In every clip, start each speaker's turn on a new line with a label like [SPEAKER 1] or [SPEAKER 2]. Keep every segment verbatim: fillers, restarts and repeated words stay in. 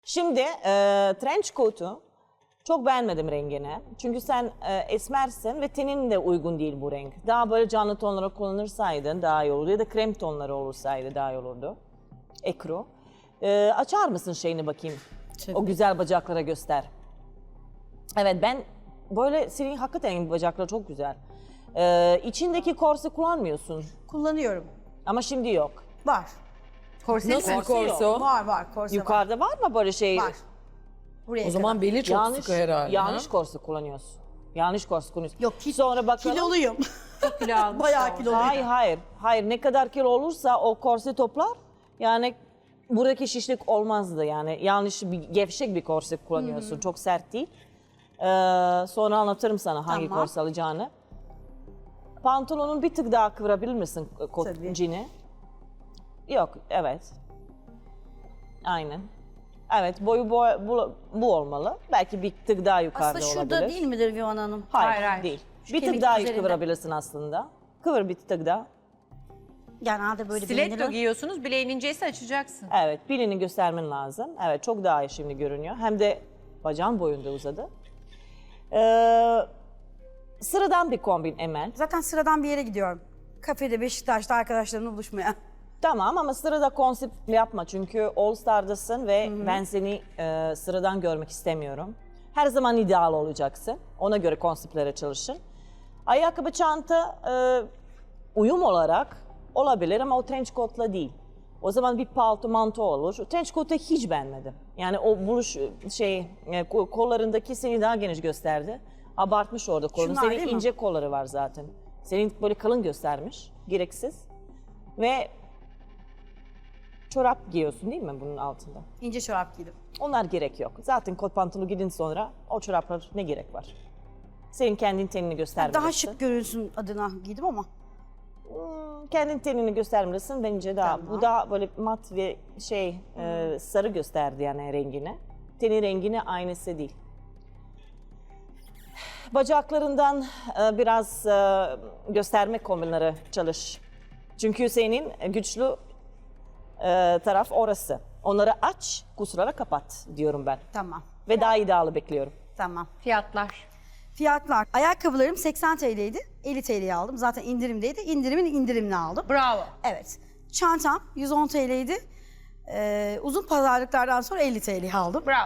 [SPEAKER 1] Şimdi e, trench coat'u çok beğenmedim rengini. Çünkü sen e, esmersin ve tenin de uygun değil bu renk. Daha böyle canlı tonları kullanırsaydın daha iyi olurdu ya da krem tonları olursaydı daha iyi olurdu. Ekru. E, açar mısın şeyini bakayım?
[SPEAKER 2] Tabii.
[SPEAKER 1] O güzel bacaklara göster. Evet ben böyle senin hakikaten bacakları çok güzel. E, içindeki korse kullanmıyorsun
[SPEAKER 2] Kullanıyorum.
[SPEAKER 1] ama şimdi yok.
[SPEAKER 2] Var.
[SPEAKER 3] Korseli
[SPEAKER 1] Nasıl
[SPEAKER 3] mi?
[SPEAKER 1] korso?
[SPEAKER 2] Var var. Korse
[SPEAKER 1] Yukarıda var mı böyle şey?
[SPEAKER 2] var. Var. Buraya
[SPEAKER 4] O zaman
[SPEAKER 2] kadar.
[SPEAKER 4] beli çok
[SPEAKER 1] yanlış,
[SPEAKER 4] sıkı herhalde.
[SPEAKER 1] yanlış
[SPEAKER 4] ha?
[SPEAKER 1] korse kullanıyorsun. Yanlış korse kullanıyorsun.
[SPEAKER 2] Yok ki,
[SPEAKER 1] Sonra bakalım.
[SPEAKER 2] kiloluyum.
[SPEAKER 3] Kilo almış
[SPEAKER 2] Bayağı
[SPEAKER 3] da
[SPEAKER 2] kiloluyum.
[SPEAKER 1] Hayır hayır. Hayır ne kadar kilo olursa o korse toplar. Yani buradaki şişlik olmazdı yani. Yanlış bir gevşek bir korse kullanıyorsun. Çok sert değil. Ee, sonra anlatırım sana hangi
[SPEAKER 2] Tamam.
[SPEAKER 1] korse alacağını. Pantolonun bir tık daha kıvırabilir misin kot
[SPEAKER 2] Tabii.
[SPEAKER 1] cini? Yok, evet. Aynen. Evet, boyu bu, bu, bu olmalı. Belki bir tık daha yukarıda
[SPEAKER 2] Aslında şurada
[SPEAKER 1] olabilir.
[SPEAKER 2] değil midir Vivan Hanım?
[SPEAKER 1] Hayır,
[SPEAKER 3] Hayır, hayır.
[SPEAKER 1] değil.
[SPEAKER 2] Şu
[SPEAKER 1] Bir tık
[SPEAKER 2] kemik
[SPEAKER 1] daha
[SPEAKER 2] üzerinde.
[SPEAKER 1] kıvırabilirsin aslında. Kıvır bir tık daha.
[SPEAKER 2] Genelde böyle
[SPEAKER 3] Stiletto
[SPEAKER 2] beğenirim.
[SPEAKER 3] giyiyorsunuz, bileğin inceyse açacaksın.
[SPEAKER 1] Evet, bilini göstermen lazım. Evet, çok daha iyi şimdi görünüyor. Hem de bacağın boyunda uzadı. Ee, sıradan bir kombin Emel.
[SPEAKER 2] Zaten sıradan bir yere gidiyorum. Kafede Beşiktaş'ta arkadaşlarımla buluşmaya.
[SPEAKER 1] Tamam ama sırada konsept yapma çünkü All Star'dasın ve ben seni e, sıradan görmek istemiyorum. Her zaman ideal olacaksın. Ona göre konseptlere çalışın. Ayakkabı, çanta e, uyum olarak olabilir ama o trench coat'la değil. O zaman bir palto, manto olur. Trench coat'u hiç beğenmedim. Yani o buluş şey e, ko- kollarındaki seni daha geniş gösterdi. Abartmış orada kolunu.
[SPEAKER 2] Şunlar değil
[SPEAKER 1] Senin
[SPEAKER 2] mi?
[SPEAKER 1] ince kolları var zaten. Senin böyle kalın göstermiş. Gereksiz. Ve çorap giyiyorsun değil mi bunun altında?
[SPEAKER 2] İnce çorap giydim.
[SPEAKER 1] Onlar gerek yok. Zaten kot pantolonu gidin sonra o çoraplar ne gerek var? Senin kendin tenini göstermelisin.
[SPEAKER 2] Daha şık görünsün adına giydim ama.
[SPEAKER 1] Hmm, kendin tenini göstermelisin bence daha.
[SPEAKER 2] Tamam.
[SPEAKER 1] Bu daha böyle mat ve şey e, sarı gösterdi yani rengini. Tenin rengini aynısı değil. Bacaklarından e, biraz e, gösterme kombinleri çalış. Çünkü senin güçlü e, taraf orası. Onları aç, kusurlara kapat diyorum ben.
[SPEAKER 2] Tamam.
[SPEAKER 1] Ve daha iddialı bekliyorum.
[SPEAKER 2] Tamam.
[SPEAKER 3] Fiyatlar.
[SPEAKER 2] Fiyatlar. Ayakkabılarım seksen T L'ydi. elli T L'ye aldım. Zaten indirimdeydi. İndirimin indirimini aldım.
[SPEAKER 3] Bravo.
[SPEAKER 2] Evet. Çantam yüz on T L'ydi. Ee, uzun pazarlıklardan sonra elli T L'ye aldım.
[SPEAKER 3] Bravo.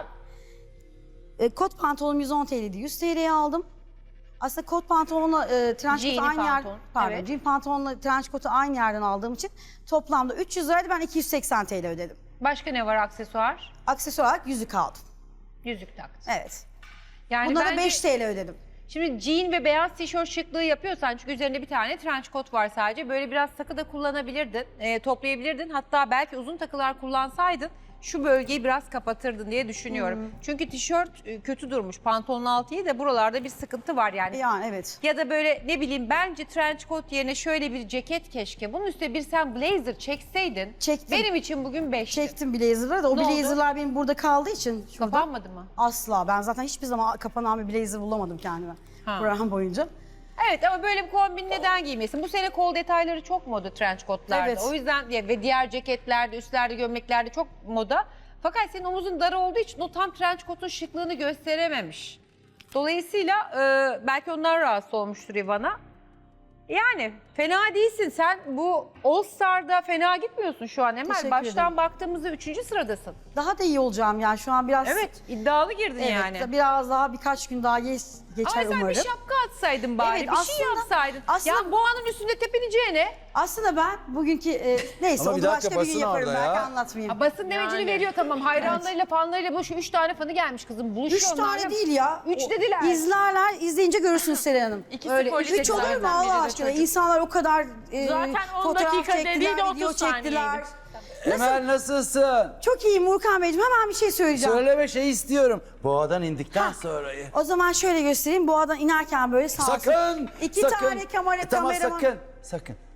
[SPEAKER 2] E, kot pantolonum yüz on T L'ydi. yüz T L'ye aldım. Aslında kot pantolonla e, trench
[SPEAKER 3] Jean'i
[SPEAKER 2] coat'u aynı yer,
[SPEAKER 3] pantolon,
[SPEAKER 2] pardon,
[SPEAKER 3] evet.
[SPEAKER 2] jean pantolonla trench coat'u aynı yerden aldığım için toplamda üç yüz liraydı. Ben iki yüz seksen T L ödedim.
[SPEAKER 3] Başka ne var aksesuar?
[SPEAKER 2] Aksesuar olarak yüzük aldım.
[SPEAKER 3] Yüzük taktın.
[SPEAKER 2] Evet.
[SPEAKER 3] Yani
[SPEAKER 2] Buna da
[SPEAKER 3] bence-
[SPEAKER 2] beş T L ödedim.
[SPEAKER 3] Şimdi jean ve beyaz tişört şıklığı yapıyorsan çünkü üzerinde bir tane trench coat var sadece. Böyle biraz takı da kullanabilirdin, e, toplayabilirdin. Hatta belki uzun takılar kullansaydın şu bölgeyi biraz kapatırdın diye düşünüyorum. Çünkü tişört e, kötü durmuş. Pantolonun altı iyi de buralarda bir sıkıntı var yani.
[SPEAKER 2] Yani evet.
[SPEAKER 3] Ya da böyle ne bileyim bence trench coat yerine şöyle bir ceket keşke. Bunun üstüne bir sen blazer çekseydin.
[SPEAKER 2] Çektim.
[SPEAKER 3] Benim için bugün beşti.
[SPEAKER 2] Çektim blazer'ları da o
[SPEAKER 3] Ne oldu?
[SPEAKER 2] blazer'lar benim burada kaldığı için şurada.
[SPEAKER 3] Kapanmadı mı?
[SPEAKER 2] Asla. Ben zaten hiçbir zaman kapanan bir blazer bulamadım kendime
[SPEAKER 3] Ha.
[SPEAKER 2] program boyunca.
[SPEAKER 3] Evet ama böyle bir kombin neden giymesin? Bu sene kol detayları çok moda trench coat'larda.
[SPEAKER 2] Evet.
[SPEAKER 3] O yüzden ya ve diğer ceketlerde, üstlerde, gömleklerde çok moda. Fakat senin omuzun dar olduğu için o tam trench coat'un şıklığını gösterememiş. Dolayısıyla e, belki onlar rahatsız olmuştur Ivana. Yani fena değilsin. Sen bu All Star'da fena gitmiyorsun şu an Emel.
[SPEAKER 2] Teşekkür
[SPEAKER 3] Baştan
[SPEAKER 2] ederim.
[SPEAKER 3] baktığımızda üçüncü sıradasın.
[SPEAKER 2] Daha da iyi olacağım yani şu an biraz.
[SPEAKER 3] Evet iddialı girdin
[SPEAKER 2] Evet,
[SPEAKER 3] yani.
[SPEAKER 2] biraz daha birkaç gün daha geç, geçer
[SPEAKER 3] Ama sen
[SPEAKER 2] umarım.
[SPEAKER 3] bir şapka atsaydın bari,
[SPEAKER 2] Evet,
[SPEAKER 3] bir şey
[SPEAKER 2] aslında-
[SPEAKER 3] yapsaydın.
[SPEAKER 2] aslında-
[SPEAKER 3] Ya boğanın üstünde tepineceğine.
[SPEAKER 2] Aslında ben bugünkü e, neyse
[SPEAKER 5] Ama
[SPEAKER 2] onu
[SPEAKER 5] bir dakika,
[SPEAKER 2] başka bir gün
[SPEAKER 5] basın
[SPEAKER 2] yaparım
[SPEAKER 5] orada
[SPEAKER 2] belki
[SPEAKER 5] ya.
[SPEAKER 2] anlatmayayım.
[SPEAKER 3] Ha, basın demecini Yani. veriyor tamam. Hayranlarıyla, fanlarıyla bu şu üç tane fanı gelmiş kızım.
[SPEAKER 2] Üç
[SPEAKER 3] Buluşuyor
[SPEAKER 2] tane
[SPEAKER 3] onlarla.
[SPEAKER 2] değil ya.
[SPEAKER 3] Üç
[SPEAKER 2] O-
[SPEAKER 3] dediler.
[SPEAKER 2] İzlerler, izleyince görürsünüz Seren Hanım.
[SPEAKER 6] İkisi
[SPEAKER 3] Öyle,
[SPEAKER 6] polis
[SPEAKER 2] Üç olur mu
[SPEAKER 6] ekiplerden, biri
[SPEAKER 2] Allah
[SPEAKER 6] de
[SPEAKER 2] aşkına?
[SPEAKER 6] çocuk.
[SPEAKER 2] İnsanlar o kadar e,
[SPEAKER 6] Zaten on
[SPEAKER 2] fotoğraf
[SPEAKER 6] dakika
[SPEAKER 2] çektiler,
[SPEAKER 6] dediği de
[SPEAKER 2] video
[SPEAKER 6] otuz
[SPEAKER 2] çektiler.
[SPEAKER 6] saniyeydi.
[SPEAKER 5] Emel nasılsın?
[SPEAKER 2] Çok iyiyim Urkan Beyciğim. Hemen bir şey söyleyeceğim.
[SPEAKER 5] Söyleme şey istiyorum. Boğadan indikten sonrayı.
[SPEAKER 2] O zaman şöyle göstereyim. Boğadan inerken böyle sağ olsun.
[SPEAKER 5] Sakın!
[SPEAKER 2] İki
[SPEAKER 5] sakın.
[SPEAKER 2] tane kamera
[SPEAKER 5] E, tamam
[SPEAKER 2] kameraman.
[SPEAKER 5] sakın. Sakın.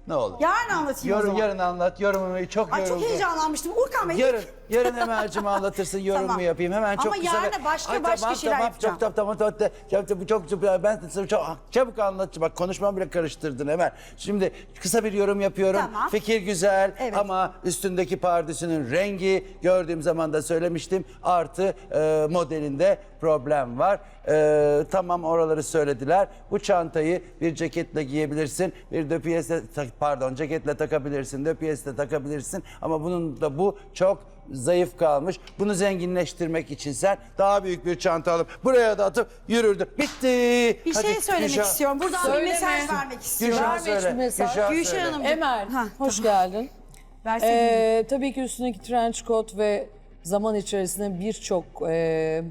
[SPEAKER 5] Ne olur.
[SPEAKER 2] Yarın anlatayım o
[SPEAKER 5] Yorum,
[SPEAKER 2] zaman.
[SPEAKER 5] yarın anlat. Yorumumu çok
[SPEAKER 2] Ay çok
[SPEAKER 5] yoruldu.
[SPEAKER 2] heyecanlanmıştım. Urkan Bey.
[SPEAKER 5] Yarın, yarın Emel'cim anlatırsın, yorumumu
[SPEAKER 2] Tamam.
[SPEAKER 5] yapayım. Hemen çok
[SPEAKER 2] Ama
[SPEAKER 5] kısa.
[SPEAKER 2] yarına
[SPEAKER 5] bir-
[SPEAKER 2] başka
[SPEAKER 5] Ay,
[SPEAKER 2] başka
[SPEAKER 5] tamam,
[SPEAKER 2] şeyler
[SPEAKER 5] tamam,
[SPEAKER 2] yapacağım.
[SPEAKER 5] Çok tamam tamam tamam. Çok çok çok, çok ben de sana çok çabuk anlatacağım. Bak konuşmamı bile karıştırdın Emel. Şimdi kısa bir yorum yapıyorum.
[SPEAKER 2] Tamam.
[SPEAKER 5] Fikir güzel
[SPEAKER 2] Evet.
[SPEAKER 5] ama üstündeki pardesünün rengi gördüğüm zaman da söylemiştim. Artı e, modelinde problem var. E, tamam oraları söylediler. Bu çantayı bir ceketle giyebilirsin. Bir döpiyesle pardon ceketle takabilirsin. Döpiyesle takabilirsin. Ama bunun da bu çok zayıf kalmış. Bunu zenginleştirmek için sen daha büyük bir çanta alıp buraya da atıp yürürdün. Bitti.
[SPEAKER 2] Bir
[SPEAKER 5] Hadi,
[SPEAKER 2] şey söylemek
[SPEAKER 5] Gülşah.
[SPEAKER 2] istiyorum. Buradan bir
[SPEAKER 4] Söyleme.
[SPEAKER 2] mesaj vermek istiyorum.
[SPEAKER 5] Gülşah
[SPEAKER 4] Verme
[SPEAKER 5] söyle.
[SPEAKER 4] hiçbir mesaj.
[SPEAKER 5] Gülşah
[SPEAKER 2] Gülşah
[SPEAKER 5] söyle.
[SPEAKER 2] Hanım.
[SPEAKER 4] Emel,
[SPEAKER 2] Ha,
[SPEAKER 4] hoş geldin.
[SPEAKER 2] Versene.
[SPEAKER 4] Ee, tabii ki üstündeki trench coat ve zaman içerisinde birçok e,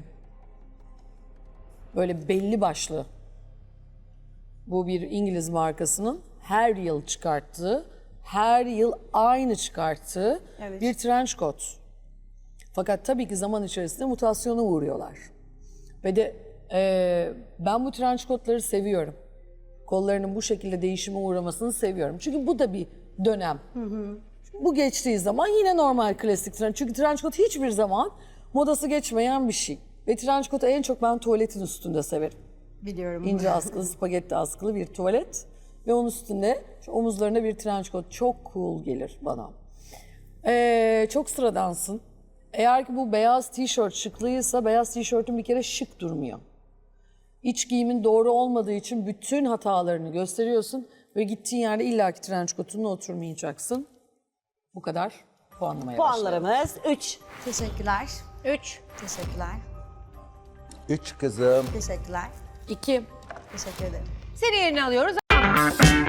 [SPEAKER 4] böyle belli başlı bu bir İngiliz markasının her yıl çıkarttığı, her yıl aynı çıkarttığı
[SPEAKER 2] Evet.
[SPEAKER 4] bir trench coat. Fakat tabii ki zaman içerisinde mutasyona uğruyorlar. Ve de e, ben bu trench coatları seviyorum. Kollarının bu şekilde değişime uğramasını seviyorum. Çünkü bu da bir dönem. Bu geçtiği zaman yine normal klasik trench. Çünkü trench coat hiçbir zaman modası geçmeyen bir şey. Ve trench coat'u en çok ben tuvaletin üstünde severim.
[SPEAKER 2] Biliyorum.
[SPEAKER 4] İnce askılı, spagetti askılı bir tuvalet. Ve onun üstünde şu omuzlarında bir trench coat. Çok cool gelir bana. Ee, çok sıradansın. Eğer ki bu beyaz tişört şıklıysa beyaz tişörtün bir kere şık durmuyor. İç giyimin doğru olmadığı için bütün hatalarını gösteriyorsun ve gittiğin yerde illaki trench coat'unla oturmayacaksın. Bu kadar puanlamaya başlayalım.
[SPEAKER 1] Puanlarımız üç.
[SPEAKER 2] Teşekkürler.
[SPEAKER 3] Üç.
[SPEAKER 2] Teşekkürler.
[SPEAKER 5] Üç kızım.
[SPEAKER 2] Teşekkürler.
[SPEAKER 4] İki.
[SPEAKER 2] Teşekkür ederim.
[SPEAKER 3] Seni yerine alıyoruz.